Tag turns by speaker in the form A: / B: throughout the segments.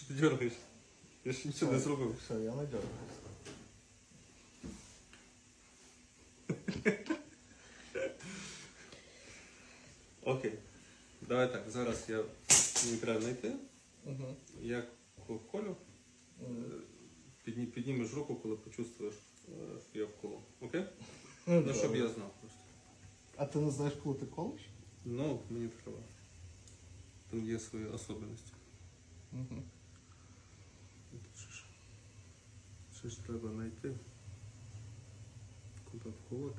A: Що ти дергаєш? Я ж нічого не зробив.
B: Все, я не дергаюсь.
A: Окей. Давай так, зараз мені треба знайти.
B: Угу.
A: Я колю. Піднімеш руку, коли почувствуєш, що я вколов. Окей? Ну, щоб я знав просто.
B: А ти не знаєш, коли ти колиш?
A: Ну, мені треба. Там є свої особливості.
B: Угу.
A: Ще ж треба знайти. Куди вколоти.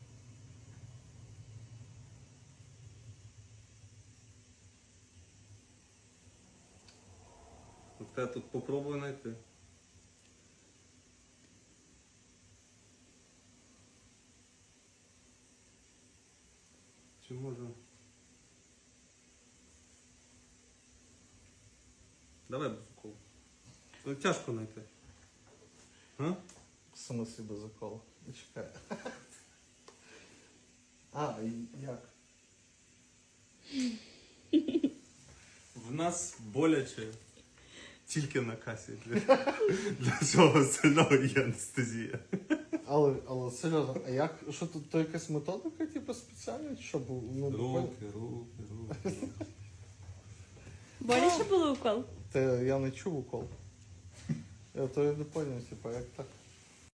A: От я тут попробую знайти. Чи може? Давай без уколу. Ну, тяжко знайти. А?
B: Саме себе заколо. Чекай. А, і як?
A: В нас боляче тільки на касі. Для всього остального є анестезія.
B: Але серйозно, а як? Що тут то якась методика, типу, спеціальна? Щоб ну,
A: Руки.
C: Боляче було укол?
B: Та я не чув укол. Я то я не поняв, типу, як так?